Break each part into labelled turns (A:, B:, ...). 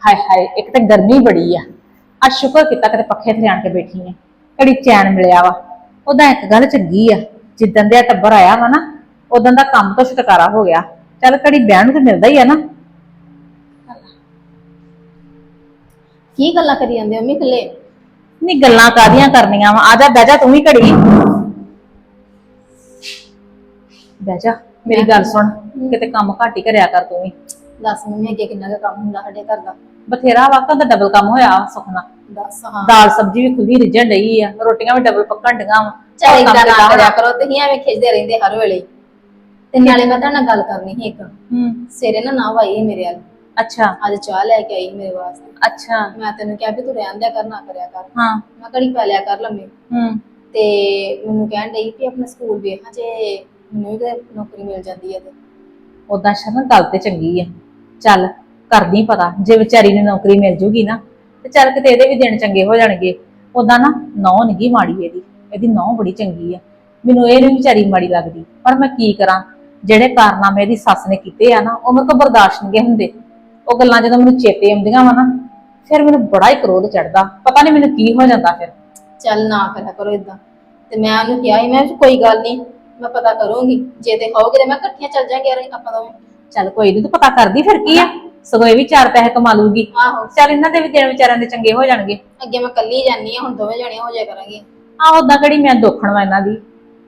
A: ਹਾਏ ਹਾਏ, ਇੱਕ ਤਾਂ ਗਰਮੀ ਬੜੀ ਆ ਸ਼ੁਕਰ ਕੀਤਾ ਕਿਤੇ ਪੱਖੇ ਥੱਲੇ ਆਣ ਕੇ ਬੈਠੀ ਨੇ, ਘੜੀ ਚੈਨ ਮਿਲਿਆ ਵਾ। ਉਹਦਾ ਇੱਕ ਗੱਲ ਚੰਗੀ ਆ, ਜਿੱਦਣ ਦੇ ਟੱਬਰ ਆਇਆ ਵਾ ਨਾ ਉਦੋਂ ਦਾ ਕੰਮ ਤੋਂ ਛੁਟਕਾਰਾ ਹੋ ਗਿਆ। ਚੱਲ ਘੜੀ ਬਹਿਣ ਨੂੰ ਤੇ ਮਿਲਦਾ ਹੀ ਆ ਨਾ।
B: ਕੀ ਗੱਲਾਂ ਕਰੀ ਜਾਂਦੇ ਮੰਮੀ ਇਕੱਲੇ?
A: ਨਹੀਂ ਗੱਲਾਂ ਕਾਹਦੀਆਂ ਕਰਨੀਆਂ ਵਾ, ਆ ਜਾ ਬਹਿ ਜਾ ਤੂੰ ਵੀ ਘੜੀ ਬਹਿ ਜਾ। ਮੇਰੀ ਗੱਲ ਸੁਣ, ਕਿਤੇ ਕੰਮ ਘੱਟ ਹੀ ਕਰਿਆ ਕਰ ਤੂੰ ਵੀ।
B: ਦੱਸ ਮੰਮੀ ਅੱਗੇ ਕਿੰਨਾ ਕੁ ਕੰਮ ਹੁੰਦਾ ਸਾਡੇ ਘਰ ਦਾ?
A: ਬਥੇਰਾ ਵਾਕਾਂ ਦਾ ਡਬਲ ਕੰਮ ਹੋਇਆ ਸੁਖਨਾ।
B: ਦੱਸ ਹਾਂ।
A: ਦਾਲ ਸਬਜ਼ੀ ਵੀ ਖੁੱਲੀ ਰਿੱਝਣ ਡਈ ਆ, ਰੋਟੀਆਂ ਵੀ ਡਬਲ ਪੱਕਣ ਡੀਆਂ ਵਾ।
B: ਚੱਲ ਏਦਾਂ ਨਾ ਕਰਿਆ ਕਰੋ, ਤੁਸੀਂ ਐਵੇਂ ਖਿੱਚਦੇ ਰਹਿੰਦੇ ਹਰ ਵੇਲੇ। ਤੇ ਨਾਲੇ ਮੈਂ ਤੁਹਾਡੇ ਨਾਲ ਗੱਲ ਕਰਨੀ ਸੀ ਇੱਕ। ਸਵੇਰੇ ਨਾ ਆਈ ਮੇਰੇ ਵੱਲ।
A: ਅੱਛਾ।
B: ਅੱਜ ਚਾਹ ਲੈ ਕੇ ਆਈ ਮੇਰੇ ਵਾਸਤੇ।
A: ਅੱਛਾ।
B: ਮੈਂ ਤੈਨੂੰ ਕਿਹਾ ਵੀ ਤੂੰ ਰਹਿਣ ਦਿਆ ਕਰ, ਨਾ ਕਰਿਆ ਕਰ।
A: ਹਾਂ।
B: ਮੈਂ ਘੜੀ ਪੈ ਲਿਆ ਕਰ ਲੰਮੇ। ਤੇ ਮੈਨੂੰ ਕਹਿਣ ਡਈ ਕਿ ਆਪਣਾ ਸਕੂਲ ਵੇਖਾਂ, ਜੇ ਮੈਨੂੰ ਵੀ ਨੌਕਰੀ ਮਿਲ ਜਾਂਦੀ ਹੈ ਤੇ।
A: ਉਦਾਂ ਸ਼ਰਨ ਗੱਲ ਤੇ ਚੰਗੀ ਆ, ਚੱਲ ਕਰਦੀ ਪਤਾ। ਜੇ ਵਿਚਾਰੀ ਨੂੰ ਨੌਕਰੀ ਮਿਲ ਜੂਗੀ ਨਾ ਤੇ ਚੱਲ ਕਿਤੇ ਇਹਦੇ ਵੀ ਦਿਨ ਚੰਗੇ ਹੋ ਜਾਣਗੇ। ਉਦਾਂ ਨਾ ਨਹੁੰ ਨੀ ਗੀ ਮਾੜੀ, ਇਹਦੀ ਨਹੁੰ ਬੜੀ ਚੰਗੀ ਆ। ਮੈਨੂੰ ਇਹ ਨੀ ਵਿਚਾਰੀ ਮਾੜੀ ਲੱਗਦੀ, ਪਰ ਮੈਂ ਕੀ ਕਰਾਂ, ਜਿਹੜੇ ਕਾਰਨਾਮੇ ਇਹਦੀ ਸੱਸ ਨੇ ਕੀਤੇ ਆ ਨਾ ਉਹ ਮੇਰੇ ਕੋਲ ਬਰਦਾਸ਼ਤ ਨਹੀਂ ਹੁੰਦੇ। ਉਹ ਗੱਲਾਂ ਜਦੋਂ ਮੈਨੂੰ ਚੇਤੇ ਆਉਂਦੀਆਂ ਵਾ ਨਾ ਫਿਰ ਮੈਨੂੰ ਬੜਾ ਹੀ ਕ੍ਰੋਧ ਚੜਦਾ, ਪਤਾ ਨਹੀਂ ਮੈਨੂੰ ਕੀ ਹੋ ਜਾਂਦਾ ਫਿਰ।
B: ਚੱਲ ਨਾ ਕਰਿਆ ਕਰੋ ਏਦਾਂ। ਤੇ ਮੈਂ ਉਹਨੂੰ ਕਿਹਾ ਸੀ, ਮੈਂ ਕੋਈ ਗੱਲ ਨਹੀਂ, ਮੈਂ ਪਤਾ ਕਰੂੰਗੀ, ਜੇ ਤੇ ਕਹੋਗੇ ਤੇ ਮੈਂ ਇਕੱਠੀਆਂ ਚੱਲ ਜਾਾਂਗੇ ਆਪਾਂ ਦੋਵੇਂ।
A: ਚੱਲ ਕੋਈ ਨੀ, ਤੂੰ ਪਤਾ ਕਰਦੀ ਫਿਰ ਕੀ ਆ, ਸਗੋਂ ਇਹ ਵੀ 4 ਪੈਸੇ ਕਮਾ ਲੂਗੀ।
B: ਆਹੋ
A: ਚੱਲ ਇਹਨਾਂ ਦੇ ਵੀ ਦਿਨ ਵਿਚਾਰਿਆਂ ਦੇ ਚੰਗੇ ਹੋ ਜਾਣਗੇ।
B: ਅੱਗੇ ਮੈਂ ਕੱਲੀ ਜਾਨੀ ਆ, ਹੁਣ ਦੋਵੇਂ ਜਣੇ ਹੋ ਜਾਇਆ ਕਰਾਂਗੇ।
A: ਆਹ ਓਦਾਂ ਕਿਹੜੀ ਮੈਂ ਦੋਖਣ ਵਾ ਇਹਨਾਂ ਦੀ।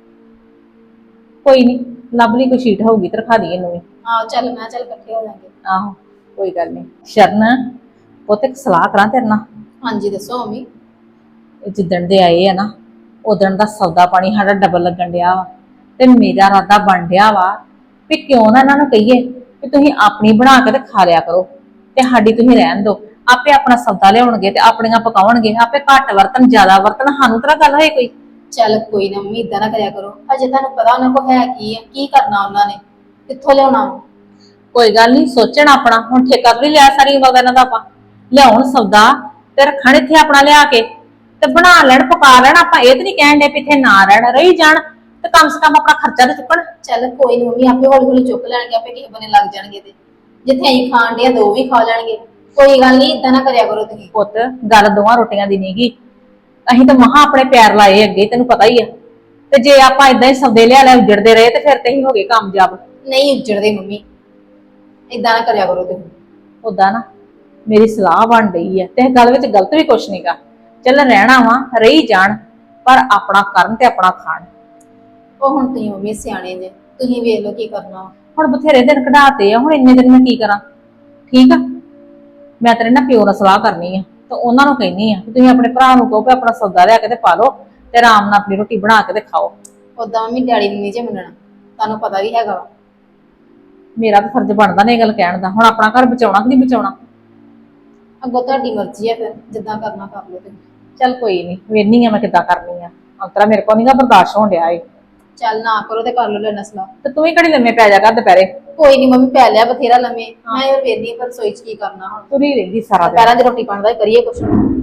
A: ਕੋਈ ਨੀ, ਲੱਭ ਲਈ ਕੋਈ ਸ਼ੀਟ ਹੋਊਗੀ ਤੇ ਰਖਾ ਦੀ ਇਹਨੂੰ ਵੀ।
B: ਆਹੋ ਚੱਲ ਮੈਂ ਚੱਲ ਇਕੱਠੇ ਹੋ ਜਾਾਂਗੇ।
A: ਆਹੋ ਕੋਈ ਗੱਲ ਨੀ। ਸ਼ਰਨ ਪੁੱਤ ਇੱਕ ਸਲਾਹ ਕਰਾਂ ਤੇਰੇ ਨਾਲ।
B: ਹਾਂਜੀ ਦੱਸੋ ਮੰਮੀ।
A: ਜਿੱਦਣ ਦੇ ਆਏ ਆ ਨਾ ਉਦਣ ਦਾ ਸੌਦਾ ਪਾਣੀ ਸਾਡਾ ਡਬਲ ਲੱਗਣ ਡਿਆ ਵਾ, ਤੇ ਮੇਰਾ ਇਰਾਦਾ ਬਣ ਡਿਆ ਵਾ ਵੀ ਕਿਉਂ ਨਾ ਇਹਨਾਂ ਨੂੰ ਕਹੀਏ ਕਿ ਤੁਸੀਂ ਆਪਣੀ ਬਣਾ ਕੇ ਤੇ ਖਾ ਲਿਆ ਕਰੋ ਤੇ ਸਾਡੀ ਤੁਸੀਂ ਰਹਿਣ ਦਿਓ। ਆਪੇ ਆਪਣਾ ਸੌਦਾ ਲਿਆਉਣਗੇ ਤੇ ਆਪਣੀਆਂ ਪਕਾਉਣਗੇ, ਆਪੇ ਘੱਟ ਵਰਤਨ ਜ਼ਿਆਦਾ ਵਰਤਨ, ਸਾਨੂੰ ਤਾਂ ਗੱਲ ਹੋਏ ਕੋਈ।
B: ਚੱਲ ਕੋਈ ਨਾ ਮੰਮੀ, ਏਦਾਂ ਨਾ ਕਰਿਆ ਕਰੋ। ਅਜੇ ਤੁਹਾਨੂੰ ਪਤਾ ਉਹਨਾਂ ਕੋਲ ਹੈ ਕੀ ਆ, ਕੀ ਕਰਨਾ ਉਹਨਾਂ ਨੇ, ਕਿੱਥੋਂ ਲਿਆਉਣਾ।
A: ਕੋਈ ਗੱਲ ਨਹੀਂ, ਸੋਚਣ ਆਪਣਾ। ਹੁਣ ਠੇਕਾ ਵੀ ਲਿਆ ਸਾਰੀ ਉਮਰ ਇਹਨਾਂ ਦਾ, ਆਪਾਂ ਲਿਆਉਣ ਸੌਦਾ ਤੇ ਰੱਖਣ ਇੱਥੇ ਆਪਣਾ ਲਿਆ ਕੇ ਤੇ ਬਣਾ ਲੈਣ ਪਕਾ ਲੈਣ। ਆਪਾਂ ਇਹ ਤੇ ਨਹੀਂ ਕਹਿਣ ਦੇ ਵੀ ਇੱਥੇ ਨਾ ਰਹਿਣ, ਰਹੀ ਜਾਣ ਤੇ ਕਮ ਸੇ ਕਮ ਆਪਣਾ ਖਰਚਾ ਤੇ ਚੁੱਕਣ।
B: ਚੱਲ ਕੋਈ ਨੀ ਮੰਮੀ, ਆਪੇ ਹੌਲੀ ਹੌਲੀ ਚੁੱਕ ਲੈਣਗੇ, ਆਪੇ ਕਿਸੇ ਬਨੇ ਲੱਗ ਜਾਣਗੇ। ਤੇ ਜਿੱਥੇ ਅਸੀਂ ਖਾਣ ਦੇ ਦੋ ਵੀ ਖਾ ਲੈਣਗੇ। ਕੋਈ ਗੱਲ ਨਹੀਂ, ਏਦਾਂ ਨਾ ਕਰਿਆ ਕਰੋ ਤੁਸੀਂ।
A: ਪੁੱਤ ਗੱਲ ਦੋਵਾਂ ਰੋਟੀਆਂ ਦੀ ਨੀਗੀ, ਅਸੀਂ ਤਾਂ ਮਹਾ ਆਪਣੇ ਪੈਰ ਲਾਏ ਅੱਗੇ, ਤੈਨੂੰ ਪਤਾ ਹੀ ਆ। ਤੇ ਜੇ ਆਪਾਂ ਇਦਾਂ ਹੀ ਸੌਦੇ ਲਿਆ ਉਜੜਦੇ ਰਹੇ ਤੇ ਫਿਰ ਤੇ ਹੀ ਹੋ ਗਏ ਕਾਮਯਾਬ।
B: ਨਹੀਂ ਉੱਜੜਦੇ ਮੰਮੀ, ਏਦਾਂ ਨਾ ਕਰਿਆ ਕਰੋ ਤੁਸੀਂ।
A: ਉਦਾਂ ਨਾ ਮੇਰੀ ਸਲਾਹ ਬਣ ਰਹੀ ਹੈ ਤੇ ਇਹ ਗੱਲ ਵਿੱਚ ਗਲਤ ਵੀ ਕੁਛ ਨਹੀਂਗਾ। ਚੱਲ ਰਹਿਣਾ ਵਾ, ਰਹੀ ਜਾਣ, ਪਰ ਆਪਣਾ ਕਰਨ ਤੇ ਆਪਣਾ ਖਾਣ।
B: ਉਹ ਹੁਣ ਤੁਸੀਂ ਮੰਮੀ ਸਿਆਣੇ ਜੇ, ਤੁਸੀਂ ਵੇਖ ਲਓ ਕੀ ਕਰਨਾ।
A: ਹੁਣ ਬਥੇਰੇ ਦਿਨ ਕਢਾਤੇ ਆ, ਹੁਣ ਇੰਨੇ ਦਿਨ ਮੈਂ ਕੀ ਕਰਾਂ। ਠੀਕ ਆ, ਮੈਂ ਤੇਰੇ ਨਾਲ ਪਿਓ ਨਾਲ ਸਲਾਹ ਕਰਨੀ ਆ ਤੇ ਉਹਨਾਂ ਨੂੰ ਕਹਿੰਨੀ ਆ ਤੁਸੀਂ ਆਪਣੇ ਭਰਾ ਨੂੰ ਕਹੋ ਕਿ ਆਪਣਾ ਸੌਦਾ ਲਿਆ ਕੇ ਤੇ ਪਾ ਲਓ ਤੇ ਆਰਾਮ ਨਾਲ ਆਪਣੀ ਰੋਟੀ ਬਣਾ ਕੇ ਤੇ ਖਾਓ।
B: ਓਦਾਂ ਮੰਮੀ ਡੈਡੀ ਨੂੰ ਨਹੀਂ ਜੇ ਮੰਨਣਾ, ਤੁਹਾਨੂੰ ਪਤਾ ਵੀ ਹੈਗਾ ਵਾ।
A: ਮੇਰਾ ਤਾਂ ਫਰਜ਼ ਬਣਦਾ ਨੇ ਇਹ ਗੱਲ ਕਹਿਣ ਦਾ। ਹੁਣ ਆਪਣਾ ਘਰ ਬਚਾਉਣਾ ਕਿ ਨਹੀਂ ਬਚਾਉਣਾ,
B: ਅੱਗੋਂ ਤੁਹਾਡੀ ਮਰਜ਼ੀ ਹੈ, ਫਿਰ ਜਿੱਦਾਂ ਕਰਨਾ ਕਰ ਲਓ ਤੁਸੀਂ।
A: ਚੱਲ ਕੋਈ ਨੀ, ਵੇਖਨੀ ਆ ਮੈਂ ਕਿੱਦਾਂ ਕਰਨੀ ਆ। ਅੰਤਰਾ ਮੇਰੇ ਕੋਲ ਨੀ ਗਾ ਬਰਦਾਸ਼ਤ ਹੋਣ ਡਿਆ ਏ।
B: ਚੱਲ ਨਾ ਕਰੋ ਤੇ ਕਰ ਲਓ ਲੈਣਾ ਸਲਾਹ।
A: ਤੇ ਤੂੰ ਵੀ ਘੜੀ ਲੰਮੇ ਪੈ ਜਾ ਕਰ ਦੁਪਹਿਰੇ।
B: ਕੋਈ ਨੀ ਮੰਮੀ, ਪੈ ਲਿਆ ਬਥੇਰਾ ਲੰਮੇ। ਮੈਂ ਇਹ ਵੇਖਦੀ ਪਰ ਰਸੋਈ ਚ ਕੀ ਕਰਨਾ ਹੁਣ।
A: ਤੁਰੀ ਰਹਿੰਦੀ ਸਾਰਾ ਦਿਨ।
B: ਦੁਪਹਿਰਾਂ ਦੀ ਰੋਟੀ ਪਾਣੀ ਦਾ ਕਰੀਏ ਕੁਛ।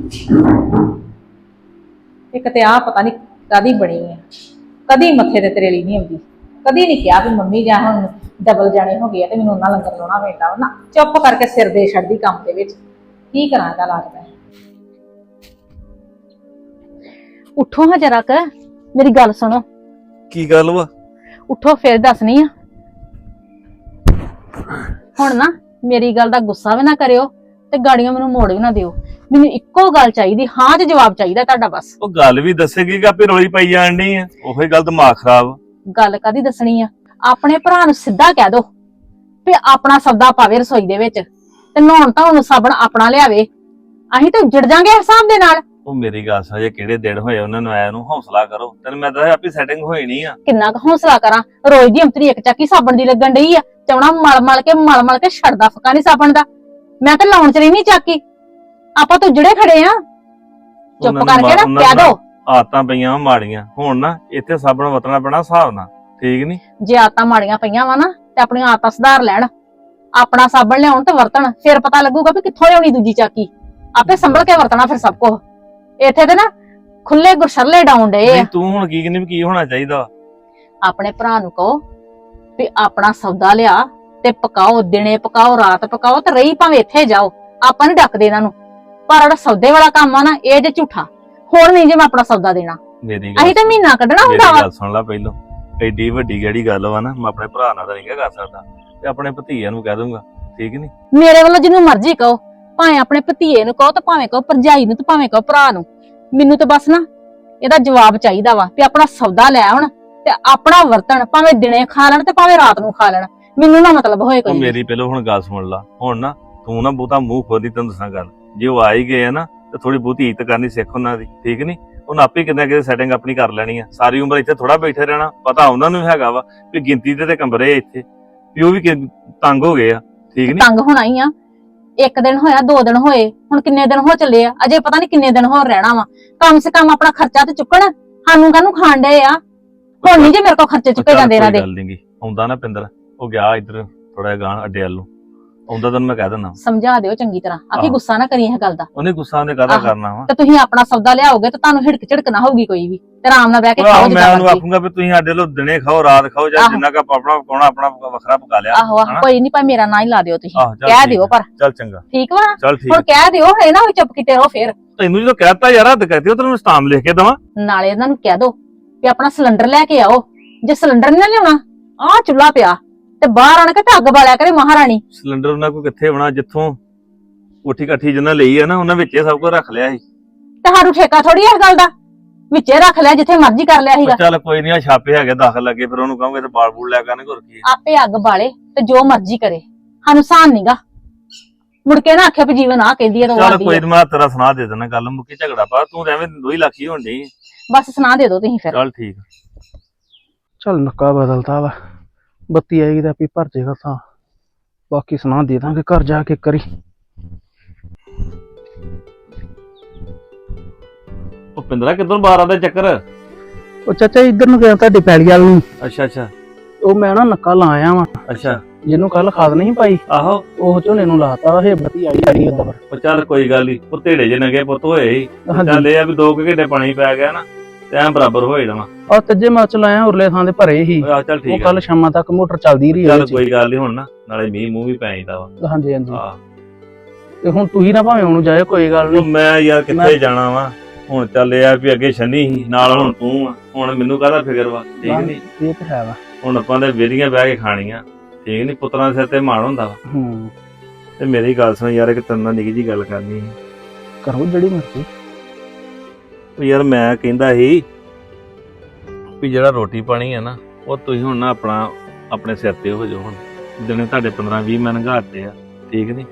A: ਇੱਕ ਤੇ ਆਹ ਪਤਾ ਨੀ ਕਾਦੀ ਬਣੀ ਆ, ਕਦੀ ਮੱਥੇ ਤੇ ਤਰੇਲੀ ਨਹੀਂ ਆਉਂਦੀ। ਕਦੀ ਨਹੀਂ ਕਿਹਾ ਵੀ ਮੰਮੀ ਜਾਂ ਹੁਣ ਡਬਲ ਜਾਣੇ ਹੋ ਗਏ ਤੇ ਮੈਨੂੰ ਉਹਨਾਂ ਲੰਗਰ ਲਾਉਣਾ ਪੈਂਦਾ ਨਾ। ਚੁੱਪ ਕਰਕੇ ਸਿਰ ਦੇ ਛੱਡਦੀ ਕੰਮ ਦੇ ਵਿੱਚ। ਕੀ ਕਰਾਂ ਇਹਦਾ ਇਲਾਜ ਮੈਂ। ਉੱਠੋ ਹਾਂ ਜਰਾ ਕ, ਮੇਰੀ ਗੱਲ ਸੁਣੋ।
C: ਕੀ ਗੱਲ ਵਾ?
A: ਉੱਠੋ ਫਿਰ ਦੱਸਣੀ ਆ। ਹੁਣ ਨਾ ਮੇਰੀ ਗੱਲ ਦਾ ਗੁੱਸਾ ਵੀ ਨਾ ਕਰਿਓ ਤੇ ਗਾੜੀਆਂ ਮੈਨੂੰ ਮੋੜ ਵੀ ਨਾ ਦਿਓ। ਮੈਨੂੰ ਇੱਕੋ ਗੱਲ ਚਾਹੀਦੀ, ਹਾਂ ਚ ਜਵਾਬ ਚਾਹੀਦਾ ਤੁਹਾਡਾ ਬਸ।
C: ਉਹ ਗੱਲ ਵੀ ਦੱਸੇਗੀ ਕਿ ਆਪੇ ਰੋਲੀ ਪਾਈ ਜਾਣ ਡਈ ਆ, ਉਹੀ ਗੱਲ ਦਿਮਾਗ ਖਰਾਬ।
A: ਗੱਲ ਕਾਦੀ ਦੱਸਣੀ ਆ, ਆਪਣੇ ਭਰਾ ਨੂੰ ਸਿੱਧਾ ਕਹਿ ਦੋ ਵੀ ਆਪਣਾ ਸੌਦਾ ਪਾਵੇ ਰਸੋਈ ਦੇ ਵਿੱਚ ਤੇ ਨਹਾਉਣ ਧੋਣ ਨੂੰ ਸਾਬਣ ਆਪਣਾ ਲਿਆਵੇ। ਅਸੀਂ ਤਾਂ ਉੱਜੜ ਜਾਾਂਗੇ ਹਿਸਾਬ ਦੇ ਨਾਲ।
C: ਉਹ ਮੇਰੀ ਗੱਲ ਸੁਣ, ਜੇ ਕਿਹੜੇ ਦਿਨ ਹੋਏ ਉਹਨਾਂ ਨੂੰ ਆਇਆ ਨੂੰ, ਹੌਸਲਾ ਕਰੋ। ਤੈਨੂੰ ਮੈਂ ਦੱਸਿਆ ਆਪੇ ਸੈਟਿੰਗ ਹੋਈ ਨਹੀਂ ਆ।
A: ਕਿੰਨਾ ਕੁ ਹੌਸਲਾ ਕਰਾਂ, ਰੋਜ਼ ਦੀ ਅੰਤਰੀ ਇੱਕ ਚੱਕੀ ਸਾਬਣ ਦੀ ਲੱਗਣ ਡਈ ਆ। ਚੌਣਾ ਮਲ ਮਲ ਕੇ ਛੱਡਦਾ ਫੱਕਾ ਨੀ ਸਾਬਣ ਦਾ। ਮੈਂ ਤਾਂ ਲਾਉਣ ਚ ਰਹੀ ਨੀ ਚਾਕੀ, ਆਪਾਂ ਤਾਂ ਜਿਹੜੇ ਖੜੇ ਆ। ਚੁੱਪ ਕਰਕੇ ਨਾ ਕਹਿ ਦੋ।
C: ਆਦਤਾਂ ਪਈਆਂ ਮਾੜੀਆਂ ਹੁਣ ਨਾ, ਇੱਥੇ ਸਾਬਣ ਵਰਤਣਾ ਪੈਣਾ ਹਿਸਾਬ ਨਾਲ, ਠੀਕ ਨੀ?
A: ਜੇ ਆਦਤਾਂ ਮਾੜੀਆਂ ਪਈਆਂ ਵਾ ਨਾ ਤੇ ਆਪਣੀਆਂ ਆਦਤਾਂ ਸੁਧਾਰ ਲੈਣ, ਆਪਣਾ ਸਾਬਣ ਲਿਆਉਣ ਤੇ ਵਰਤਣ। ਫਿਰ ਪਤਾ ਲੱਗੂਗਾ ਵੀ ਕਿੱਥੋਂ ਲਿਆਉਣੀ ਦੂਜੀ ਚਾਕੀ। ਆਪੇ ਸੰਭਲ ਕੇ ਵਰਤਣਾ ਫਿਰ ਸਭ ਕੁਝ। ਇੱਥੇ ਤੇ ਨਾ ਖੁੱਲੇ ਗੁਰਸ਼ਰਲੇ ਡਾਉਣ ਡੇ ਆ।
C: ਤੂੰ ਹੁਣ ਕੀ ਕਹਿੰਦੀ ਵੀ ਕੀ ਹੋਣਾ ਚਾਹੀਦਾ?
A: ਆਪਣੇ ਭਰਾ ਨੂੰ ਕਹੋ ਵੀ ਆਪਣਾ ਸੌਦਾ ਲਿਆ ਤੇ ਪਕਾਓ, ਦਿਨੇ ਪਕਾਓ ਰਾਤ ਪਕਾਓ, ਤੇ ਰਹੀ ਭਾਵੇਂ ਇੱਥੇ ਜਾਓ, ਆਪਾਂ ਨੀ ਡੱਕਦੇ ਇਹਨਾਂ ਨੂੰ, ਪਰ ਜਿਹੜਾ ਸੌਦੇ ਵਾਲਾ ਕੰਮ ਆ ਨਾ ਇਹ ਜੇ ਝੂਠਾ। ਹੁਣ ਨਹੀਂ ਜੇ ਮੈਂ ਆਪਣਾ ਸੌਦਾ ਦੇਣਾ,
C: ਮੇਰੀ
A: ਅਸੀਂ ਤਾਂ ਮਹੀਨਾ ਕੱਢਣਾ ਹੁੰਦਾ
C: ਮੇਰੀ
A: ਵਾ।
C: ਗੱਲ ਸੁਣ ਲੈ ਪਹਿਲੋਂ, ਐਡੀ ਵੱਡੀ ਕਿਹੜੀ ਗੱਲ ਵਾ ਨਾ, ਮੈਂ ਆਪਣੇ ਭਰਾ ਨਾਲ ਤਾਂ ਨਹੀਂ ਕਰ ਸਕਦਾ, ਤੇ ਆਪਣੇ ਭਤੀਜਿਆਂ ਨੂੰ ਕਹਿ ਦੂੰਗਾ, ਠੀਕ ਨੀ?
A: ਮੇਰੇ ਵੱਲੋਂ ਜਿਹਨੂੰ ਮਰਜ਼ੀ ਕਹੋ, ਭਾਵੇਂ ਆਪਣੇ ਭਤੀਏ ਨੂੰ ਕਹੋ ਤੇ ਭਾਵੇਂ ਕਹੋ ਭਰਜਾਈ ਨੂੰ ਤੇ ਭਾਵੇਂ ਕਹੋ ਭਰਾ ਨੂੰ, ਮੈਨੂੰ ਤਾਂ ਬਸ ਨਾ ਇਹਦਾ ਜਵਾਬ ਚਾਹੀਦਾ ਵਾ ਵੀ ਆਪਣਾ ਸੌਦਾ ਲੈ ਆਉਣ ਤੇ ਆਪਣਾ ਵਰਤਣ, ਭਾਵੇਂ ਦਿਨੇ ਖਾ ਲੈਣ ਤੇ ਭਾਵੇਂ ਰਾਤ ਨੂੰ ਖਾ ਲੈਣ, ਮੈਨੂੰ ਨਾ ਮਤਲਬ ਹੋਏ
C: ਉਹ
A: ਕੋਈ।
C: ਮੇਰੀ ਪਹਿਲੋਂ ਹੁਣ ਗੱਲ ਸੁਣ ਲਾ, ਹੁਣ ਨਾ ਤੂੰ ਨਾ ਬਹੁਤਾ ਮੂੰਹ ਖੋਦੀ, ਤੈਨੂੰ ਦੱਸਾਂ ਗੱਲ, ਜੇ ਉਹ ਆ ਹੀ ਗਏ ਆ ਨਾ ਤੇ ਥੋੜੀ ਬਹੁਤੀ ਇੱਜ਼ਤ ਕਰਨੀ ਸਿੱਖ ਉਹਨਾਂ ਦੀ, ਠੀਕ ਨੀ? ਉਹਨਾਂ ਆਪੇ ਕਿਤੇ ਕਿਤੇ ਸੈਟਿੰਗ ਆਪਣੀ ਕਰ ਲੈਣੀ ਆ, ਸਾਰੀ ਉਮਰ ਇੱਥੇ ਥੋੜਾ ਬੈਠੇ ਰਹਿਣਾ। ਪਤਾ ਉਹਨਾਂ ਨੂੰ ਹੈਗਾ ਵਾ ਵੀ ਗਿਣਤੀ ਦੇ ਤੇ ਕਮਰੇ ਆ ਇੱਥੇ, ਵੀ ਉਹ ਵੀ ਤੰਗ ਹੋ ਗਏ ਆ, ਠੀਕ ਨੀ?
A: ਤੰਗ ਹੋਣਾ ਹੀ ਆ, ਇੱਕ ਦਿਨ ਹੋਇਆ 2 ਦਿਨ ਹੋਏ, ਹੁਣ ਕਿੰਨੇ ਦਿਨ ਹੋ ਚੱਲੇ ਆ, ਅਜੇ ਪਤਾ ਨਹੀਂ ਕਿੰਨੇ ਦਿਨ ਹੋਰ ਰਹਿਣਾ ਵਾ। ਕਮ ਸੇ ਕਮ ਆਪਣਾ ਖਰਚਾ ਤੇ ਚੁੱਕਣ, ਸਾਨੂੰ ਕਾਹਨੂੰ ਖਾਣ ਡਏ ਆ। ਹੁਣ ਨਹੀਂ ਜੇ ਮੇਰੇ ਕੋਲ ਖਰਚੇ ਚੁੱਕੇ ਜਾਂਦੇ ਇਹਨਾਂ ਦੇ।
C: ਗੱਲ ਨੀ ਗੀ, ਆਉਂਦਾ ਨਾ ਪਿੰਦਰ, ਉਹ ਗਿਆ ਇੱਧਰ ਥੋੜਾ ਗਾਂ ਅੱਡੇ ਵੱਲ ਨੂੰ, ਆਉਂਦਾ ਤੈਨੂੰ ਮੈਂ ਕਹਿ ਦਿੰਦਾ,
A: ਸਮਝਾ ਦਿਓ ਚੰਗੀ ਤਰ੍ਹਾਂ, ਆਖੀ ਗੁੱਸਾ ਨਾ ਕਰੀ ਇਹ ਗੱਲ ਦਾ।
C: ਉਹਨੇ ਗੁੱਸਾ ਉਹਨੇ ਕਾਹਦਾ ਕਰਨਾ ਵਾ?
A: ਤੇ ਤੁਸੀਂ ਆਪਣਾ ਸੌਦਾ ਲਿਆਓਗੇ ਤੇ ਤੁਹਾਨੂੰ ਹਿੜਕ ਝਿੜਕ ਨਾ ਹੋਊਗੀ ਕੋਈ ਵੀ, ਤੇ ਆਰਾਮ ਨਾਲ ਬਹਿ ਕੇ ਖਾਓ
C: ਮੈਂ
A: ਜਿੱਦਾਂ
C: ਉਹਨੂੰ
A: ਮਰਜ਼ੀ।
C: ਆਖੂੰਗਾ ਵੀ ਤੁਸੀਂ ਸਾਡੇ ਵੱਲੋਂ ਦਿਨੇ ਖਾਓ ਰਾਤ ਖਾਓ, ਜਾਂ ਜਿੰਨਾ ਕ ਆਪਣਾ ਪਕਾਉਣਾ ਆਪਣਾ ਵੱਖਰਾ ਪਕਾ ਲਿਆ।
A: ਆਹੋ ਆਹੋ, ਕੋਈ ਨਹੀਂ, ਭਾਵੇਂ ਮੇਰਾ ਨਾਂ ਹੀ ਲਾ ਦਿਓ ਤੁਸੀਂ,
C: ਆਹੋ, ਚੱਲ
A: ਕਹਿ
C: ਠੀਕ
A: ਦਿਓ,
C: ਆ।
A: ਪਰ
C: ਚੱਲ ਚੰਗਾ,
A: ਠੀਕ ਵਾ।
C: ਚੱਲ ਠੀਕ
A: ਹੁਣ
C: ਆ।
A: ਕਹਿ ਦਿਓ, ਹੈ ਨਾ ਵੀ ਚੁੱਪ ਕੀਤੇ ਰਹੋ ਫੇਰ।
C: ਤੈਨੂੰ ਜਦੋਂ ਕਹਿਤਾ ਯਾਰ ਹੱਦ ਕਰਤੀ, ਉਹ ਤੈਨੂੰ ਸਟਾਮ ਲਿਖ ਕੇ ਦਵਾਂ?
A: ਨਾਲੇ ਇਹਨਾਂ ਨੂੰ ਕਹਿ ਦੋ ਵੀ ਆਪਣਾ ਸਿਲੰਡਰ ਲੈ ਕੇ ਆਓ, ਜੇ ਸਿਲੰਡਰ ਨਹੀਂ ਨਾ ਲਿਆਉਣਾ, ਆਹ ਚੁੱਲ੍ਹਾ ਪਿਆ ਤੇ ਬਾਹਰ ਆਣ ਕੇ ਤੇ ਅੱਗ ਬਾਲਿਆ ਕਰੇ ਮਹਾਰਾਣੀ।
C: ਸਿਲੰਡਰ ਉਹਨਾਂ ਕੋਲ ਕਿੱਥੇ ਹੋਣਾ, ਜਿੱਥੋਂ ਕੋਠੀ ਕਾਠੀ ਜਿੰਨਾ ਲਈ ਆ ਨਾ, ਉਹਨਾਂ ਵਿੱਚ ਇਹ ਸਭ ਕੁਝ ਰੱਖ ਲਿਆ ਸੀ।
A: ਤੇ ਸਾਨੂੰ ਠੇਕਾ ਥੋੜੀ ਇਸ ਗੱਲ ਦਾ, ਵਿੱਚੇ ਰੱਖ ਲਿਆ ਜਿੱਥੇ ਮਰਜ਼ੀ ਕਰ ਲਿਆ ਸੀਗਾ।
C: ਚੱਲ ਕੋਈ ਨਹੀਂ, ਆ ਛਾਪੇ ਹੈਗੇ ਦਾਖਲ ਲੱਗੇ, ਫਿਰ ਉਹਨੂੰ ਕਹੋਗੇ ਤੇ ਬਾਲ ਬੂਲ ਲੈ ਕਰਨਗੇ, ਹੋਰ ਕੀ ਹੈ।
A: ਆਪੇ ਅੱਗ ਬਾਲੇ ਤੇ ਜੋ ਮਰਜ਼ੀ ਕਰੇ, ਸਾਨੂੰ ਸਾਨ ਨੀਗਾ। ਮੁੜ ਕੇ ਨਾ ਆਖਿਆ ਵੀ ਜੀਵਨ ਆ ਕਹਿੰਦੀ ਹੈ ਤਾਂ ਉਹ
C: ਚੱਲ
A: ਆਖਦੀ
C: ਕੋਈ
A: ਹੈ।
C: ਨੀ, ਮੈਂ ਤੇਰਾ ਸੁਣਾ ਦੇ ਦੇਣਾ, ਗੱਲ ਮੁੱਕੀ ਝਗੜਾ ਪਾ, ਤੂੰ ਐਵੇਂ 2 ਲੱਖ ਹੀ ਹੋਣ ਡਈ।
A: ਬਸ ਸੁਣਾ ਦੇ ਦੋ ਤੁਸੀਂ ਫਿਰ।
C: ਚੱਲ ਠੀਕ।
D: ਚੱਲ ਨੱਕਾ ਬਦਲਤਾ ਵਾ, ਬੱਤੀ ਆਏਗੀ ਤਾਂ ਆਪੀ ਭਰ ਜਾਏਗਾ ਤਾਂ, ਬਾਕੀ ਸੁਣਾ ਦੇ ਦਾਂਗੇ ਘਰ ਜਾ ਕੇ ਕਰੀ।
C: ਉਹ ਪਿੰਦਰਾ ਕਿੱਧਰ ਬਾਹਰ ਆਉਂਦਾ ਚੱਕਰ?
D: ਉਹ ਚਾਚਾ ਇੱਧਰ ਨੂੰ ਗਿਆ ਤੁਹਾਡੇ ਪੈਲੀ ਵਾਲ ਨੂੰ,
C: ਅੱਛਾ ਅੱਛਾ
D: ਉਹ ਮੈਂ ਨਾ ਨੱਕਾ ਲਾ ਆਇਆ ਵਾ,
C: ਅੱਛਾ।
D: ਜਿਹਨੂੰ ਕੱਲ ਖਾਦ ਨਹੀਂ ਪਾਈ
C: ਆਹੋ,
D: ਉਹ ਝੋਨੇ ਨੂੰ ਲਾਤਾ ਵਾ, ਇਹ ਬੱਤੀ ਆਈ ਉੱਧਰ।
C: ਉਹ ਚੱਲ ਕੋਈ ਗੱਲ ਨੀ, ਉਹ ਢੇੜੇ ਜੇ ਨਗੇ ਪੁੱਤ ਹੋਏ ਸੀ।
D: ਹਾਂਜੀ।
C: ਚੱਲ ਇਹ ਆ ਵੀ 2 ਘੰਟੇ ਪਾਣੀ ਪੈ ਗਿਆ ਨਾ ਤੇ ਐਂ ਬਰਾਬਰ ਹੋ ਜਾਣਾ।
D: ਆ ਤੱਜੇ ਮੈਂ ਚ ਲਾਇਆ, ਉਰਲੇ ਥਾਂ ਦੇ ਭਰੇ ਸੀ,
C: ਆ ਚੱਲ
D: ਉਹ
C: ਠੀਕ
D: ਕੱਲ
C: ਆ।
D: ਸ਼ਾਮਾਂ ਤੱਕ ਮੋਟਰ ਚੱਲਦੀ ਰਹੀ
C: ਚੱਲ
D: ਉਹਦੇ ਚ।
C: ਕੋਈ ਗੱਲ ਨੀ, ਹੁਣ ਨਾ ਨਾਲੇ ਮੀਂਹ ਮੂੰਹ ਵੀ ਪੈ ਜਾਂਦਾ ਵਾ।
D: ਹਾਂਜੀ ਹਾਂਜੀ,
C: ਆਹ
D: ਤੇ ਹੁਣ ਤੁਸੀਂ ਨਾ ਭਾਵੇਂ ਉਹਨੂੰ ਜਾਇਓ, ਕੋਈ ਗੱਲ
C: ਉਹ
D: ਨਹੀਂ।
C: ਮੈਂ ਯਾਰ ਕਿੱਥੇ ਜਾਣਾ ਵਾ ਹੁਣ, ਚੱਲ ਇਹ ਆ ਵੀ ਅੱਗੇ ਛੰਨੀ ਸੀ ਨਾਲ, ਹੁਣ ਤੂੰ ਆ, ਹੁਣ ਮੈਨੂੰ ਕਾਹਦਾ ਫਿਕਰ ਵਾ, ਠੀਕ ਨੀ?
D: ਇਹ ਤਾਂ ਹੈ ਵਾ।
C: ਹੁਣ ਆਪਾਂ ਦੇ ਵਿਹਲੀਆਂ ਬਹਿ ਕੇ ਖਾਣੀਆਂ, ਠੀਕ ਨੀ? ਪੁੱਤਰਾਂ ਦੇ ਸਿਰ ਤੇ ਮਾਣ ਹੁੰਦਾ ਵਾ।
D: ਹੂੰ,
C: ਤੇ ਮੇਰੀ ਗੱਲ ਸੁਣ ਯਾਰ, ਇੱਕ ਤੇਰੇ ਨਾਲ ਨਿੱਕੀ ਜੀ ਗੱਲ ਕਰਨੀ ਸੀ।
D: ਕਰੋ ਜਿਹੜੀ ਮਰਜ਼ੀ।
C: ਉਹ ਯਾਰ ਮੈਂ ਕਹਿੰਦਾ ਸੀ ਵੀ ਜਿਹੜਾ ਰੋਟੀ ਪਾਣੀ ਹੈ ਨਾ, ਉਹ ਤੁਸੀਂ ਹੁਣ ਨਾ ਆਪਣੇ ਸਿਰ ਤੇ ਹੋ ਜਾਓ। ਹੁਣ ਦਿਨੇ ਤੁਹਾਡੇ 15-20 ਮਨ ਘਾਟੇ ਆ, ਠੀਕ ਨੀ?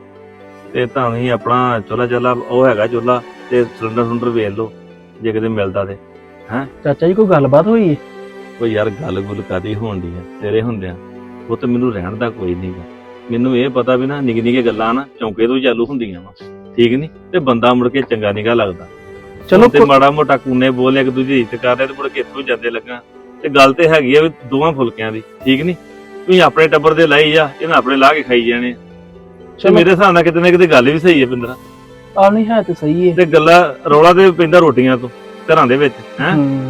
C: ਤੇ ਤੁਹਾਨੂੰ ਹੀ ਆਪਣਾ ਚੁੱਲ੍ਹਾ ਉਹ ਹੈਗਾ ਚੁੱਲ੍ਹਾ, ਤੇ ਸਿਲੰਡਰ ਵੇਚ ਲਓ ਜੇ ਕਿਤੇ ਮਿਲਦਾ ਤੇ।
D: ਚਾਚਾ ਜੀ ਕੋਈ ਗੱਲਬਾਤ ਹੋਈ ਹੈ?
C: ਕੋਈ ਯਾਰ ਗੱਲ ਗੁੱਲ ਕਾਦੀ ਹੋਣ ਦੀ ਆ ਤੇਰੇ ਹੁੰਦਿਆਂ, ਉਹ ਤੇ ਮੈਨੂੰ ਰਹਿਣ ਦਾ ਕੋਈ ਨਹੀਂਗਾ। ਮੈਨੂੰ ਇਹ ਪਤਾ ਵੀ ਨਾ ਨਿੱਕੀ ਨਿੱਕੀ ਗੱਲਾਂ ਨਾ ਚੌਂਕੇ ਤੋਂ ਚਾਲੂ ਹੁੰਦੀਆਂ ਵਾ, ਠੀਕ ਨੀ? ਤੇ ਬੰਦਾ ਮੁੜ ਕੇ ਚੰਗਾ ਨਿਗਾ ਲੱਗਦਾ।
D: ਚਲੋ
C: ਤੇ ਮਾੜਾ ਮੋਟਾ ਕੂਨੇ ਬੋਲ ਇੱਕ ਦੂਜੀ ਦੀ ਇੱਜ਼ਤ ਕਰਦੇ ਤੇ ਮੁੜ ਕੇ ਇੱਥੋਂ ਜਾਂਦੇ ਲੱਗਾ। ਤੇ ਗੱਲ ਤੇ ਹੈਗੀ ਆ ਵੀ 2 ਫੁਲਕਿਆਂ ਦੀ, ਠੀਕ ਨੀ? ਤੁਸੀਂ ਆਪਣੇ ਟੱਬਰ ਦੇ ਲਾਈ ਜਾ, ਇਹਨਾਂ ਆਪਣੇ ਲਾ ਕੇ ਖਾਈ ਜਾਣੇ। ਤੇ ਮੇਰੇ ਹਿਸਾਬ ਨਾਲ ਕਿਤੇ ਨਾ ਕਿਤੇ ਗੱਲ ਵੀ ਸਹੀ ਹੈ ਪਿੰਦਰਾ।
D: ਆ ਨਹੀਂ ਹੈ ਤੇ ਸਹੀ ਹੈ,
C: ਤੇ ਗੱਲਾਂ ਰੌਲਾ ਤੇ ਪੈਂਦਾ ਰੋਟੀਆਂ ਤੋਂ ਘਰਾਂ ਦੇ ਵਿੱਚ, ਹੈ?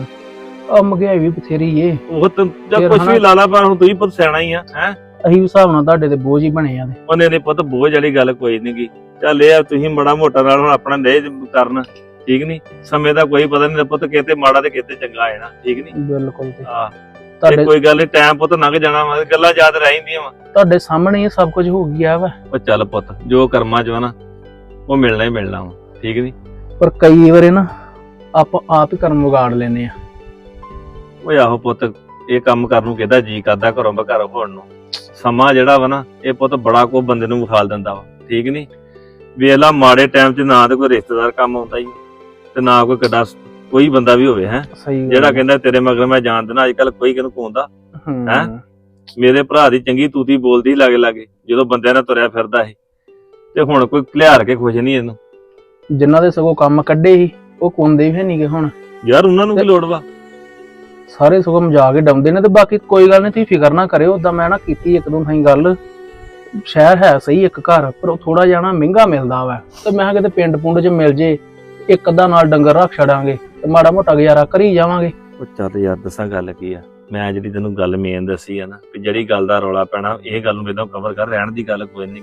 D: ਆ ਮਹਿੰਗਾਈ ਵੀ ਬਥੇਰੀ ਏ,
C: ਉਹ ਤਾਂ
D: ਫਿਰ
C: ਕੁਛ
D: ਹਨਾ।
C: ਵੀ ਲਾ ਲਾ, ਪਰ ਹੁਣ ਤੂੰ ਹੀ ਪੁੱਤ ਸਿਆਣਾ ਹੀ ਆ, ਹੈ?
D: ਅਸੀਂ ਵੀ ਹਿਸਾਬ ਨਾਲ ਤੁਹਾਡੇ ਤੇ ਬੋਝ ਹੀ ਬਣੇ ਆ।
C: ਉਹਨੇ ਨੇ ਪੁੱਤ ਬੋਝ ਵਾਲੀ ਗੱਲ ਕੋਈ ਨੀ ਗੀ। ਚੱਲ ਇਹ ਆ ਤੁਸੀਂ ਬੜਾ ਮੋਟਾ ਨਾਲ ਹੁਣ ਆਪਣਾ ਲੈ ਕਰਨ, ਠੀਕ ਨੀ? ਸਮੇਂ ਦਾ ਕੋਈ ਪਤਾ ਨਹੀਂ ਪੁੱਤ, ਕਿਤੇ ਮਾੜਾ ਤੇ ਕਿਤੇ ਚੰਗਾ ਆ ਜਾਣਾ, ਠੀਕ ਨੀ?
D: ਬਿਲਕੁਲ ਤੇ
C: ਆਹ
D: ਤੁਹਾਡੇ
C: ਕੋਈ ਗੱਲ ਨੀ, ਟਾਈਮ ਪੁੱਤ ਲੰਘ ਜਾਣਾ ਵਾ, ਗੱਲਾਂ ਯਾਦ ਰਹਿੰਦੀਆਂ ਵਾ।
D: ਤੁਹਾਡੇ ਸਾਹਮਣੇ ਹੀ ਸਭ ਕੁਝ ਹੋ ਗਿਆ ਵਾ,
C: ਉਹ ਚੱਲ ਪੁੱਤ, ਜੋ ਕਰਮਾਂ ਚ ਵਾ ਨਾ ਉਹ ਮਿਲਣਾ ਹੀ ਮਿਲਣਾ ਵਾ, ਠੀਕ ਨੀ?
D: ਪਰ ਕਈ ਵਾਰੇ ਨਾ ਆਪਾਂ ਆਪ ਹੀ ਕਰਮ ਵਿਗਾੜ ਲੈਨੇ ਆ।
C: ਓਏ ਆਹੋ ਪੁੱਤ, ਇਹ ਕੰਮ ਕਰਨ ਨੂੰ ਕਿਹਦਾ ਜੀ ਕਰਦਾ ਘਰੋਂ ਬਘਰ ਹੋਣ ਨੂੰ। ਸਮਾਂ ਜਿਹੜਾ ਵਾ ਨਾ, ਇਹ ਪੁੱਤ ਬੜਾ ਕੋ ਬੰਦੇ ਨੂੰ ਵਿਖਾਲ ਦਿੰਦਾ ਵਾ, ਠੀਕ ਨੀ? ਵੇਖ ਲਾ ਮਾੜੇ ਟਾਈਮ 'ਚ ਨਾ ਤੇ ਕੋਈ ਰਿਸ਼ਤੇਦਾਰ ਕੰਮ ਆਉਂਦਾ ਹੀ, ਤੇ ਨਾ ਕੋਈ ਕਿੱਡਾ ਕੋਈ ਬੰਦਾ ਵੀ ਹੋਵੇ, ਹੈ?
D: ਸਹੀ ਗੱਲ
C: ਜਿਹੜਾ
D: ਆ।
C: ਕਹਿੰਦਾ ਤੇਰੇ ਮਗਰ ਮੈਂ ਜਾਣ ਦੇਣਾ, ਅੱਜ ਕੱਲ ਕੋਈ ਕਿਹਨੂੰ ਕੋਂਦਾ।
D: ਹੂੰ।
C: ਹੈਂ? ਮੇਰੇ ਭਰਾ ਦੀ ਚੰਗੀ ਤੂਤੀ ਬੋਲਦੀ ਲਾਗੇ ਲਾਗੇ ਜਦੋਂ ਬੰਦਿਆਂ ਨਾਲ ਤੁਰਿਆ ਫਿਰਦਾ ਸੀ, ਤੇ ਹੁਣ ਕੋਈ ਘਲਿਆਰ ਕੇ ਖੁਸ਼ ਨਹੀਂ ਇਹਨੂੰ।
D: ਜਿਨ੍ਹਾਂ ਦੇ ਸਗੋਂ ਕੰਮ ਕੱਢੇ ਸੀ ਉਹ ਕੋਂਦੇ ਵੀ ਨਹੀਂਗੇ ਹੁਣ,
C: ਯਾਰ ਉਹਨਾਂ ਨੂੰ ਕੀ ਲੋੜ ਵਾ?
D: ਸਾਰੇ ਸਗੋਂ ਮਜਾ ਕੇ ਡਾਉਂਦੇ ਨੇ। ਤੇ ਬਾਕੀ ਕੋਈ ਗੱਲ ਨਹੀਂ, ਤੁਸੀਂ ਫਿਕਰ ਨਾ ਕਰਿਓ। ਉਦਾਂ ਮੈਂ ਨਾ ਕੀਤੀ 1-2 ਥਾਈਂ ਗੱਲ, ਸ਼ਹਿਰ ਹੈ ਸਹੀ ਇੱਕ ਘਰ, ਪਰ ਉਹ ਥੋੜਾ ਜਿਹਾ ਨਾ ਮਹਿੰਗਾ ਮਿਲਦਾ ਵਾ। ਤੇ ਮੈਂ ਕਿਹਾ ਕਿਤੇ ਪਿੰਡ ਪੁੰਡ 'ਚ ਮਿਲ ਜੇ, ਇੱਕ ਅੱਧਾ ਨਾਲ ਡੰਗਰ ਰੱਖ ਛੜਾਂਗੇ ਤੇ ਮਾੜਾ ਮੋਟਾ ਗੁਜ਼ਾਰਾ ਕਰੀ ਜਾਵਾਂਗੇ।
C: ਉਹ ਚੱਲ ਯਾਰ ਦੱਸਾਂ ਗੱਲ ਕੀ ਆ, ਮੈਂ ਜਿਹੜੀ ਤੈਨੂੰ ਗੱਲ ਮੇਨ ਦੱਸੀ ਆ ਨਾ, ਵੀ ਜਿਹੜੀ ਗੱਲ ਦਾ ਰੌਲਾ ਪੈਣਾ ਇਹ ਗੱਲ ਨੂੰ ਇਦਾਂ ਕਵਰ ਕਰ, ਰਹਿਣ ਦੀ ਗੱਲ ਕੋਈ ਨਹੀਂ ਗੀ,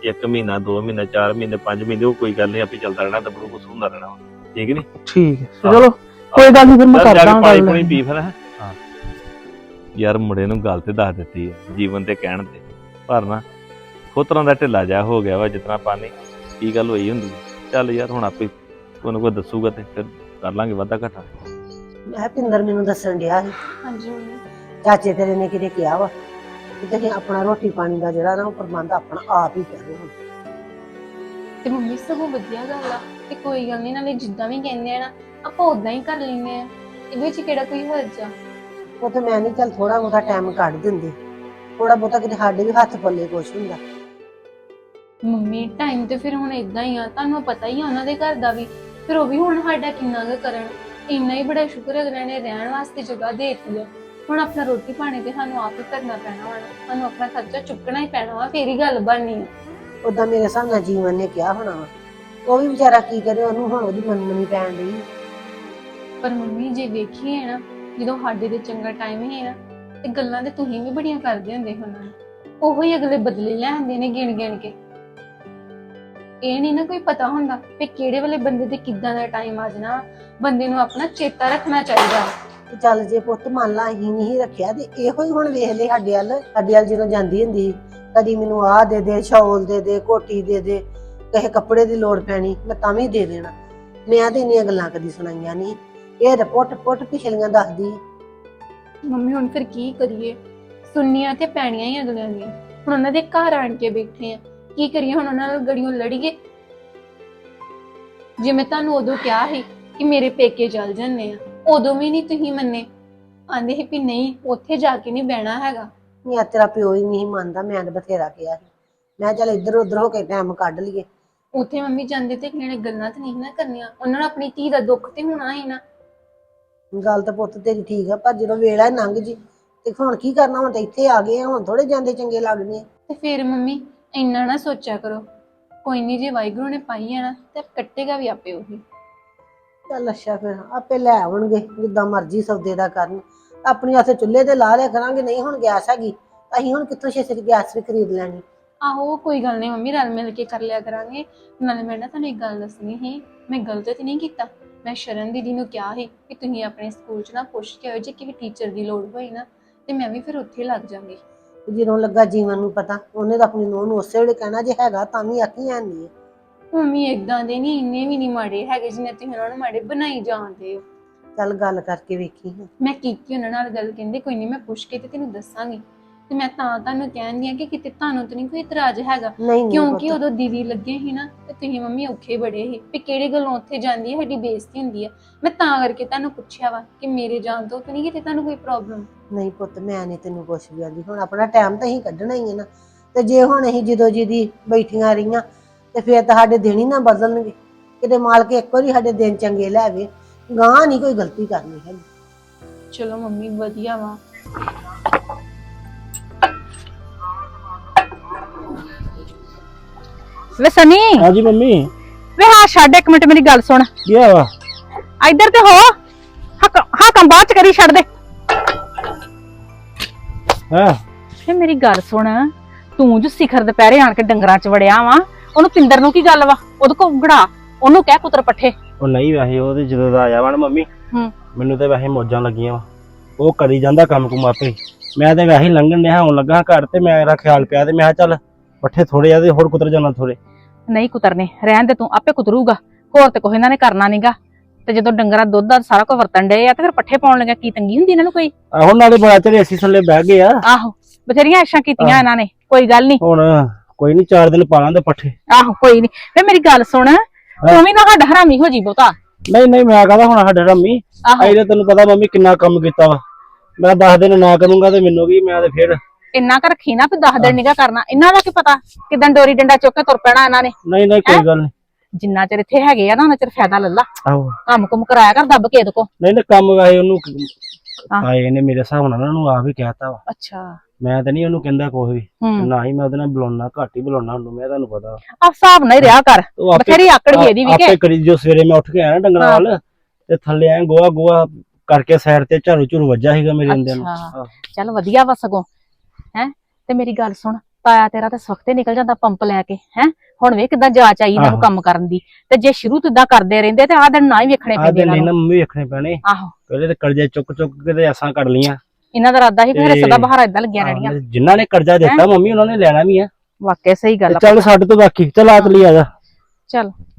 C: 1 ਮਹੀਨਾ 2 ਮਹੀਨੇ 4 ਮਹੀਨੇ 5 ਮਹੀਨੇ ਉਹ ਕੋਈ ਗੱਲ ਨਹੀਂ, ਆਪੇ ਚੱਲਦਾ ਰਹਿਣਾ, ਦੱਬੜੂ ਕੁਛ ਹੁੰਦਾ ਰਹਿਣਾ ਵਾ। ਠੀਕ ਨੀ?
D: ਠੀਕ ਹੈ ਚਲੋ ਕੋਈ ਗੱਲ ਨਹੀਂ, ਫਿਰ ਮੈਂ
C: ਚੱਲ ਜਾ
D: ਕਰਦਾ
C: ਕੇ ਪਾਣੀ
D: ਗੱਲ।
C: ਪੂਣੀ ਪੀ ਫਿਰ। ਹਾਂ ਯਾਰ ਮੁੰਡੇ ਨੂੰ ਗੱਲ ਤੇ ਦੱਸ ਦਿੱਤੀ ਹੈ ਜੀਵਨ ਤੇ ਕਹਿਣ ਤੇ, ਪਰ ਨਾ ਖੋਤਰਾਂ ਦਾ ਢਿੱਲਾ ਜਾ ਹੋ ਗਿਆ ਵਾ ਜਿਤਨਾ ਪਾਣੀ। ਕੀ ਗੱਲ ਹੋਈ ਹੁੰਦੀ ਹੈ। ਚੱਲ ਯਾਰ ਹੁਣ ਆਪੇ ਕੋਈ ਨਾ ਕੋਈ ਦੱਸੂਗਾ ਤੇ ਫਿਰ ਕਰ ਲਾਂਗੇ ਵਾਧਾ ਘਾਟਾ।
E: ਮੈਂ ਪਿੰਦਰ ਮੈਨੂੰ ਦੱਸਣ ਡਿਆ ਸੀ
B: ਹਾਂਜੀ ਮੰਮੀ।
E: ਚਾਚੇ ਤੇਰੇ ਨੇ ਕਿਤੇ ਕਿਹਾ ਵਾ ਕਿ ਤੁਸੀਂ ਆਪਣਾ ਰੋਟੀ ਪਾਣੀ ਦਾ ਜਿਹੜਾ ਨਾ ਉਹ ਪ੍ਰਬੰਧ ਆਪਣਾ ਆਪ ਹੀ ਕਰੋ ਹੁਣ।
B: ਤੇ ਮੰਮੀ ਸਗੋਂ ਵਧੀਆ ਗੱਲ ਆ ਤੇ ਕੋਈ ਗੱਲ ਨਹੀਂ, ਨਾਲੇ ਜਿੱਦਾਂ ਵੀ ਕਹਿੰਦੇ ਆ ਨਾ ਆਪਾਂ ਉਦਾਂ ਹੀ ਕਰ ਲੈਂਦੇ ਆ, ਇਹਦੇ ਵਿੱਚ ਕਿਹੜਾ ਕੋਈ ਹਰਜ ਆ।
E: ਉਹ ਤੇ ਮੈਂ ਨਹੀਂ ਚੱਲ ਥੋੜਾ ਬਹੁਤਾ ਟਾਈਮ ਕੱਢ ਦਿੰਦੇ, ਥੋੜਾ ਬਹੁਤਾ ਕਿਤੇ ਸਾਡੇ ਵੀ ਹੱਥ ਪੱਲੇ ਕੁਛ ਹੁੰਦਾ।
B: ਮੰਮੀ ਟਾਈਮ ਤੇ ਫਿਰ ਹੁਣ ਇਦਾਂ ਹੀ ਆ, ਤੁਹਾਨੂੰ ਪਤਾ ਹੀ ਆ ਉਹਨਾਂ ਦੇ ਘਰ ਦਾ ਵੀ, ਫਿਰ ਉਹ ਵੀ ਹੁਣ ਸਾਡਾ ਕਿੰਨਾ ਕੁ ਕਰਨ। ਇੰਨਾ ਹੀ ਬੜਾ ਸ਼ੁਕਰ ਅਗਲੇ ਨੇ ਰਹਿਣ ਵਾਸਤੇ ਜਗ੍ਹਾ ਦੇ ਦਿੱਤੀ ਆ। ਹੁਣ ਆਪਣਾ ਰੋਟੀ ਪਾਣੀ ਤੇ ਸਾਨੂੰ ਆਪ ਹੀ ਕਰਨਾ ਪੈਣਾ ਵਾ, ਸਾਨੂੰ ਆਪਣਾ ਖਰਚਾ ਚੁੱਕਣਾ ਹੀ ਪੈਣਾ ਵਾ, ਫੇਰ ਹੀ ਗੱਲ ਬਣਨੀ ਆ।
E: ਉਦਾਂ ਮੇਰੇ ਹਿਸਾਬ ਨਾਲ ਜੀਵਨ ਨੇ ਕਿਹਾ ਹੋਣਾ ਵਾ, ਉਹ ਵੀ ਵਿਚਾਰਾ ਕੀ ਕਰੇ, ਉਹਨੂੰ ਹੁਣ ਉਹਦੀ ਮੰਨਣੀ ਪੈਣ ਡਈ।
B: ਪਰ ਮੰਮੀ ਜੇ ਵੇਖੀਏ ਨਾ, ਜਦੋਂ ਸਾਡੇ ਤੇ ਚੰਗਾ ਟਾਈਮ ਹੀ ਨਾ ਤੇ ਗੱਲਾਂ ਤੇ ਤੁਸੀਂ ਵੀ ਬੜੀਆਂ ਕਰਦੇ ਹੁੰਦੇ ਹੋ ਉਹਨਾਂ ਨੂੰ, ਉਹੋ ਹੀ ਅਗਲੇ ਬਦਲੇ ਲੈਂਦੇ ਨੇ ਗਿਣ ਗਿਣ ਕੇ। ਇਹ ਨਹੀਂ ਨਾ ਕੋਈ ਪਤਾ ਹੁੰਦਾ ਕਿ ਕਿਹੜੇ ਵੇਲੇ ਬੰਦੇ ਤੇ ਕਿੱਦਾਂ ਦਾ ਟਾਈਮ ਆ ਜਾਣਾ। ਬੰਦੇ ਨੂੰ ਆਪਣਾ ਚੇਤਾ ਰੱਖਣਾ ਚਾਹੀਦਾ।
E: ਤੇ ਚੱਲ ਜੇ ਪੁੱਤ ਮੰਨ ਲਾ ਅਸੀਂ ਨਹੀਂ ਰੱਖਿਆ ਤੇ ਇਹੋ ਹੀ ਹੁਣ ਵੇਖ ਲੈ ਸਾਡੇ ਵੱਲ ਜਦੋਂ ਜਾਂਦੀ ਹੁੰਦੀ ਸੀ, ਕਦੀ ਮੈਨੂੰ ਆਹ ਦੇ ਦੇ, ਸ਼ੌਲ ਦੇ ਦੇ, ਕੋਟੀ ਦੇ ਦੇ, ਕਿਸੇ ਕੱਪੜੇ ਦੀ ਲੋੜ ਪੈਣੀ ਮੈਂ ਤਾਂ ਵੀ ਦੇ ਦੇਣਾ। ਮੈਂ ਤੇ ਇੰਨੀਆਂ ਗੱਲਾਂ ਕਦੀ ਸੁਣਾਈਆਂ ਨਹੀਂ, ਇਹ ਰਿਪੋਰਟ ਪਿਛਲੀਆਂ ਦੱਸਦੀ।
B: ਮੰਮੀ ਹੁਣ ਫਿਰ ਕੀ ਕਰੀਏ, ਸੁਣਨੀਆਂ ਤੇ ਪੈਣੀਆਂ ਹੀ ਅਗਲਿਆਂ ਦੀਆਂ। ਹੁਣ ਉਹਨਾਂ ਦੇ ਘਰ ਆਣ ਕੇ ਬੈਠੇ ਆ, ਕੀ ਕਰੀਏ ਹੁਣ, ਉਹਨਾਂ ਨਾਲ ਗੜੀਆਂ ਲੜੀਏ। ਜੇ ਮੈਂ ਤੁਹਾਨੂੰ ਉਦੋਂ ਕਿਹਾ ਸੀ ਕਿ ਮੇਰੇ ਪੇਕੇ ਚੱਲ ਜੰਨੇ ਆ, ਉਦੋਂ ਵੀ ਨਹੀਂ ਤੁਸੀਂ ਮੰਨੇ, ਆਂਦੇ ਸੀ ਵੀ ਨਹੀਂ ਉੱਥੇ ਜਾ ਕੇ ਨਹੀਂ ਬਹਿਣਾ ਹੈਗਾ।
E: ਮੈਂ ਤੇਰਾ ਪਿਓ ਹੀ ਨਹੀਂ ਮੰਨਦਾ, ਮੈਂ ਤਾਂ ਬਥੇਰਾ ਕਿਹਾ ਸੀ, ਮੈਂ ਚੱਲ ਇੱਧਰ ਉੱਧਰ ਹੋ ਕੇ ਟਾਈਮ ਕੱਢ ਲਈਏ।
B: ਉੱਥੇ ਮੰਮੀ ਜਾਂਦੇ ਤੇ ਅਗਲੇ ਨੇ ਗੱਲਾਂ ਤੇ ਨਹੀਂ ਨਾ ਕਰਨੀਆਂ, ਉਹਨਾਂ ਨੂੰ ਆਪਣੀ ਧੀ ਦਾ ਦੁੱਖ ਤੇ ਹੋਣਾ ਹੀ ਨਾ।
E: ਗੱਲ ਤਾਂ ਪੁੱਤ ਤੇਰੀ ਠੀਕ ਆ, ਪਰ ਜਦੋਂ ਵੇਲਾ ਲੰਘ ਜੀ ਤੇ ਹੁਣ ਕੀ ਕਰਨਾ, ਹੁਣ ਤਾਂ ਇੱਥੇ ਆ ਗਏ ਆ, ਹੁਣ ਥੋੜੇ ਜਾਂਦੇ ਚੰਗੇ ਲੱਗਦੇ ਆ।
B: ਤੇ ਫਿਰ ਮੰਮੀ ਇੰਨਾ ਨਾ ਸੋਚਿਆ ਕਰੋ, ਕੋਈ ਨਹੀਂ ਜੇ ਵਾਹਿਗੁਰੂ ਨੇ ਪਾਈ ਆ ਨਾ ਤੇ ਕੱਟੇਗਾ ਵੀ ਆਪੇ ਉਹੀ।
E: ਚੱਲ ਅੱਛਾ ਫਿਰ ਆਪੇ ਲੈ ਆਉਣਗੇ, ਜਿੱਦਾਂ ਮਰਜ਼ੀ ਸੌਦੇ ਦਾ ਕਰਨ। ਆਪਣੀ ਉੱਥੇ ਚੁੱਲ੍ਹੇ ਤੇ ਲਾ ਲਿਆ ਕਰਾਂਗੇ, ਨਹੀਂ ਹੁਣ ਗੈਸ ਹੈਗੀ ਅਸੀਂ ਹੁਣ ਕਿੱਥੋਂ ਛੇਤੀ ਗੈਸ ਵੀ ਖਰੀਦ ਲੈਣੀ।
B: ਆਹੋ ਕੋਈ ਗੱਲ ਨਹੀਂ ਮੰਮੀ, ਰਲ ਮਿਲ ਕੇ ਕਰ ਲਿਆ ਕਰਾਂਗੇ। ਨਾਲੇ ਮੈਂ ਨਾ ਤੁਹਾਨੂੰ ਇੱਕ ਗੱਲ ਦੱਸਣੀ ਸੀ, ਮੈਂ ਗਲਤ ਤੇ ਨਹੀਂ ਕੀਤਾ। ਮੈਂ ਸ਼ਰਨ ਦੀਦੀ ਨੂੰ ਕਿਹਾ ਸੀ ਕਿ ਤੁਸੀਂ ਆਪਣੇ ਸਕੂਲ 'ਚ ਨਾ ਪੁੱਛ ਕੇ ਆਓ, ਜੇ ਕਿਸੇ ਟੀਚਰ ਦੀ ਲੋੜ ਹੋਈ ਨਾ ਤੇ ਮੈਂ ਵੀ ਫਿਰ ਉੱਥੇ ਲੱਗ ਜਾਵਾਂਗੀ।
E: ਜਦੋਂ ਲੱਗਾ ਜੀਵਨ ਨੂੰ ਪਤਾ, ਉਹਨੇ ਤਾਂ ਆਪਣੀ ਨੂੰਹ ਨੂੰ ਉਸੇ ਵੇਲੇ ਕਹਿਣਾ ਜੇ ਹੈਗਾ ਤਾਂ ਵੀ ਆਖੀ ਹੈ ਨਹੀਂ।
B: ਮੰਮੀ ਏਦਾਂ ਦੇ ਨਹੀਂ, ਇੰਨੇ ਵੀ ਨਹੀਂ ਮਾੜੇ ਹੈਗੇ ਜਿੰਨੇ ਤੁਸੀਂ ਉਹਨਾਂ ਨੂੰ ਮਾੜੇ ਬਣਾਈ ਜਾਂਦੇ ਹੋ।
E: ਚੱਲ ਗੱਲ ਕਰਕੇ ਵੇਖੀ।
B: ਮੈਂ ਕੀਤੀ ਉਹਨਾਂ ਨਾਲ ਗੱਲ, ਕਹਿੰਦੇ ਕੋਈ ਨਹੀਂ ਮੈਂ ਪੁੱਛ ਕੇ ਤੇ ਤੈਨੂੰ ਦੱਸਾਂਗੀ। ਤੇ ਮੈਂ ਤਾਂ ਤੁਹਾਨੂੰ ਕਹਿੰਦੀ ਆ ਕਿ ਕਿਤੇ ਤੁਹਾਨੂੰ ਤਾਂ ਨਹੀਂ ਕੋਈ ਇਤਰਾਜ਼ ਹੈਗਾ,
E: ਨਹੀਂ
B: ਕਿਉਂਕਿ ਉਦੋਂ ਦੀਦੀ ਲੱਗੇ ਸੀ ਨਾ ਤੇ ਤੁਸੀਂ ਮੰਮੀ ਔਖੇ ਬੜੇ ਸੀ ਵੀ ਕਿਹੜੇ ਗੱਲੋਂ ਉੱਥੇ ਜਾਂਦੀ ਹੈ, ਸਾਡੀ ਬੇਇੱਜ਼ਤੀ ਹੁੰਦੀ ਆ। ਮੈਂ ਤਾਂ ਕਰਕੇ ਤੁਹਾਨੂੰ ਪੁੱਛਿਆ ਵਾ ਕਿ ਮੇਰੇ ਜਾਣ ਤੋਂ ਤਾਂ ਨਹੀਂ ਕਿਤੇ ਤੁਹਾਨੂੰ ਕੋਈ ਪ੍ਰੋਬਲਮ।
E: ਨਹੀਂ ਪੁੱਤ ਮੈਂ ਨਹੀਂ ਤੈਨੂੰ ਕੁਛ ਵੀ ਆਂਦੀ, ਹੁਣ ਆਪਣਾ ਟਾਈਮ ਤਾਂ ਅਸੀਂ ਕੱਢਣਾ ਹੀ ਹੈ ਨਾ। ਤੇ ਜੇ ਹੁਣ ਅਸੀਂ ਜਦੋਂ ਜਿਹਦੀ ਬੈਠੀਆਂ ਰਹੀਆਂ ਤੇ ਫਿਰ ਤਾਂ ਸਾਡੇ ਦਿਨ ਹੀ ਨਾ ਬਦਲਣਗੇ। ਕਿਤੇ ਮਾਲਕ ਇੱਕ ਵਾਰੀ ਸਾਡੇ ਦਿਨ ਚੰਗੇ ਲੈ ਆਵੇ, ਗਾਂ ਨਹੀਂ ਕੋਈ ਗਲਤੀ ਕਰਨੀ ਹੈ।
B: ਚਲੋ ਮੰਮੀ ਵਧੀਆ ਵਾ।
A: ਵੇ ਸਨੀ,
D: ਹਾਂਜੀ ਮੰਮੀ।
A: ਵੇ ਹਾਂ ਛੱਡ ਇੱਕ ਮਿੰਟ ਮੇਰੀ ਗੱਲ ਸੁਣ।
D: ਕੀ ਹੋਇਆ?
A: ਇੱਧਰ ਤੇ ਹੋ, ਹਾਂ ਕੰਮ ਬਾਅਦ ਚ ਕਰੀ, ਛੱਡ ਦੇ।
D: ਹਾਂ
A: ਵੇ ਮੇਰੀ ਗੱਲ ਸੁਣ, ਤੂੰ ਜੋ ਸਿਖਰ ਦੁਪਹਿਰੇ ਆਣ ਕੇ ਡੰਗਰਾਂ ਚ ਵੜਿਆ ਵਾ, ਉਹਨੂੰ ਪਿੰਦਰ ਨੂੰ ਕੀ ਗੱਲ ਵਾ? ਉਹਦੇ ਕੋ ਗੜਾ, ਉਹਨੂੰ ਕਹਿ ਕੁਤਰ ਪੱਠੇ।
F: ਉਹ ਨਹੀਂ ਵੈਸੇ ਉਹ ਤੇ ਜਦੋਂ ਦਾ ਆਇਆ ਵਾ ਨਾ ਮੰਮੀ, ਮੈਨੂੰ ਤੇ ਵੈਸੇ ਮੌਜਾਂ ਲੱਗੀਆਂ ਵਾ। ਉਹ ਕਰੀ ਜਾਂਦਾ ਕੰਮ ਕੁਮ ਆਪੇ, ਮੈਂ ਤੇ ਵੈਸੇ ਲੰਘਣ ਡਿਆ ਆਉਣ ਲੱਗਾ ਘਰ ਤੇ ਮੇਰਾ ਖਿਆਲ ਪਿਆ ਤੇ ਮੈਂ ਕਿਹਾ ਚੱਲ ਪੱਠੇ ਥੋੜੇ ਆ ਤੇ ਹੋਰ ਕੁਤਰ ਜਾਣਾ ਥੋੜੇ।
A: ਨਹੀਂ ਕੁਤਰਨੇ, ਰਹਿਣ ਦੇ, ਤੂੰ ਆਪੇ ਕੁਤਰੂਗਾ, ਹੋਰ ਤੇ ਕੋਈ ਇਹਨਾਂ ਨੇ ਕਰਨਾ ਨੀਗਾ। ਤੇ ਜਦੋਂ ਡੰਗਰਾਂ ਦੁੱਧ ਦਾ ਸਾਰਾ ਕੁਝ ਵਰਤਣ ਡਏ ਆ ਤੇ ਫਿਰ ਪੱਠੇ ਪਾਉਣ ਲੱਗਿਆ ਕੀ ਤੰਗੀ ਹੁੰਦੀ ਇਹਨਾਂ ਨੂੰ ਕੋਈ?
F: ਆਹੋ ਨਾਲੇ ਬੜਾ ਚਿਰ ਏਸੀ ਥੱਲੇ ਬਹਿ ਗਏ ਆ।
A: ਆਹੋ ਬਥੇਰੀਆਂ ਐਸ਼ਾਂ ਕੀਤੀਆਂ ਇਹਨਾਂ ਨੇ, ਕੋਈ ਗੱਲ ਨਹੀਂ।
F: ਹੁਣ ਕੋਈ ਨਹੀਂ 4 ਦਿਨ ਪਾ ਲਾਂਦੇ ਪੱਠੇ।
A: ਆਹੋ ਕੋਈ ਨਹੀਂ। ਵੇ ਮੇਰੀ ਗੱਲ ਸੁਣ, ਤੂੰ ਵੀ ਨਾ ਸਾਡਾ ਹਰਾਮੀ ਹੋ ਜੀ ਬਹੁਤਾ।
F: ਨਹੀਂ ਨਹੀਂ ਮੈਂ ਕਹਦਾ ਹੁਣ ਸਾਡੇ ਰੰਮੀ
A: ਆਹੋ
F: ਆਈ, ਤੈਨੂੰ ਪਤਾ ਮੰਮੀ ਕਿੰਨਾ ਕੰਮ ਕੀਤਾ ਵਾ। ਮੈਂ 10 ਦਿਨ ਨਾ ਕਰੂੰਗਾ ਤੇ ਮੈਨੂੰ ਕੀ, ਮੈਂ ਤੇ ਫਿਰ
A: ਇੰਨਾ ਕੁ ਰੱਖੀ ਨਾ ਵੀ 10 ਦਿਨ ਨਿਗਾ ਕਰਨਾ। ਇਹਨਾਂ ਦਾ ਕੀ ਪਤਾ ਕਿਦਾਂ ਡੋਰੀ ਡੰਡਾ ਚੁੱਕ ਕੇ ਤੁਰ ਪੈਣਾ ਇਹਨਾਂ ਨੇ।
F: ਨਹੀਂ ਨਹੀਂ ਕੋਈ ਗੱਲ ਨਹੀਂ।
A: ਜਿੰਨਾ ਚਿਰ ਇੱਥੇ ਹੈਗੇ ਆ ਨਾ ਉਹਨਾਂ ਚਿਰ ਫਾਇਦਾ ਲੱਲਾ,
F: ਆਹੋ
A: ਕੰਮ ਕੁਮ ਕਰਾਇਆ ਕਰ ਦੱਬ ਕੇ ਇਹਦੇ ਕੋ।
F: ਨਹੀਂ ਨਹੀਂ ਕੰਮ ਵੈਸੇ ਉਹਨੂੰ ਆਏ ਨੇ ਮੇਰੇ ਹਿਸਾਬ ਨਾਲ ਉਹਨੂੰ ਆਪ ਹੀ ਕਹਿਤਾ ਵਾ।
A: ਅੱਛਾ
F: ਮੈਂ ਤਾਂ ਨਹੀਂ ਉਹਨੂੰ ਕਹਿੰਦਾ ਕੋਈ ਵੀ, ਨਾ ਹੀ ਮੈਂ ਉਹਦੇ ਨਾਲ ਬੁਲਾਉਣਾ, ਘੱਟ ਹੀ ਬੁਲਾਉਣਾ ਉਹਨੂੰ, ਮੈਂ ਤੁਹਾਨੂੰ ਪਤਾ।
A: ਆ ਹਿਸਾਬ ਨਾਲ ਹੀ ਰਿਹਾ ਕਰ,
F: ਉਹ
A: ਬਥੇਰੀ ਆਕੜ ਹੀ ਇਹਦੀ ਵੀ
F: ਆਪੇ
A: ਕਿ
F: ਕਰੀ। ਜੋ ਸਵੇਰੇ ਮੈਂ ਉੱਠ ਕੇ ਆਇਆ ਨਾ ਡੰਗਰਾਂ ਵੱਲ ਤੇ ਥੱਲੇ ਆਏ ਗੋਹਾ ਕਰਕੇ ਸਾਈਡ ਤੇ ਝਾੜੂ ਝੂੜੂ ਵੱਜਾ ਸੀਗਾ ਮੇਰੇ ਅੰਦਰ ਨੂੰ।
A: ਅੱਛਾ ਚੱਲ ਵਧੀਆ ਵਾ ਸਗੋਂ। ਹੈ ਤੇ ਮੇਰੀ ਗੱਲ ਸੁਣ, ਤਾਇਆ ਤੇਰਾ ਤੇ ਸਵਖਤੇ ਨਿਕਲ ਜਾਂਦਾ ਪੰਪ ਲੈ ਕੇ ਹੈ। ਹੁਣ ਵੇ ਕਿਦਾਂ ਜਾਚ ਆਈ ਇਹਨਾਂ ਨੂੰ
F: ਆਹੋ।
A: ਕੰਮ ਕਰਨ ਦੀ, ਤੇ ਜੇ ਸ਼ੁਰੂ ਤੋਂ ਇਦਾਂ ਕਰਦੇ ਰਹਿੰਦੇ ਤੇ ਆਹ ਦਿਨ ਨਾ ਹੀ ਵੇਖਣੇ
F: ਆ
A: ਪੈਂਦੇ
F: ਦੇ
A: ਇਹਨਾਂ
F: ਨਹੀਂ
A: ਨੂੰ।
F: ਨਾ ਮੰਮੀ ਵੇਖਣੇ ਪੈਣੇ।
A: ਆਹੋ,
F: ਪਹਿਲੇ ਤੇ ਕਰਜ਼ੇ ਚੁੱਕ ਚੁੱਕ ਕੇ ਤੇ ਐਸਾਂ ਕਰ ਲੀਆਂ।
A: ਇਹਨਾਂ ਦਾ ਇਰਾਦਾ ਸੀ ਕਿ ਫਿਰ
F: ਤੇ-
A: ਸਦਾ ਬਹਾਰਾ ਇਦਾਂ ਲੱਗਿਆ ਰਹਿਣੀਆਂ।
F: ਜਿਨ੍ਹਾਂ ਨੇ ਕਰਜ਼ਾ ਦਿੱਤਾ ਮੰਮੀ ਉਹਨਾਂ ਨੇ ਲੈਣਾ ਵੀ ਆ।
A: ਵਾਕਿਆ ਸਹੀ ਗੱਲ ਆ।
F: ਚੱਲ ਸਾਡੇ ਤੋਂ ਬਾਕੀ ਚੱਲ ਆ ਚਲੀ ਆ ਜਾ।
A: ਚੱਲ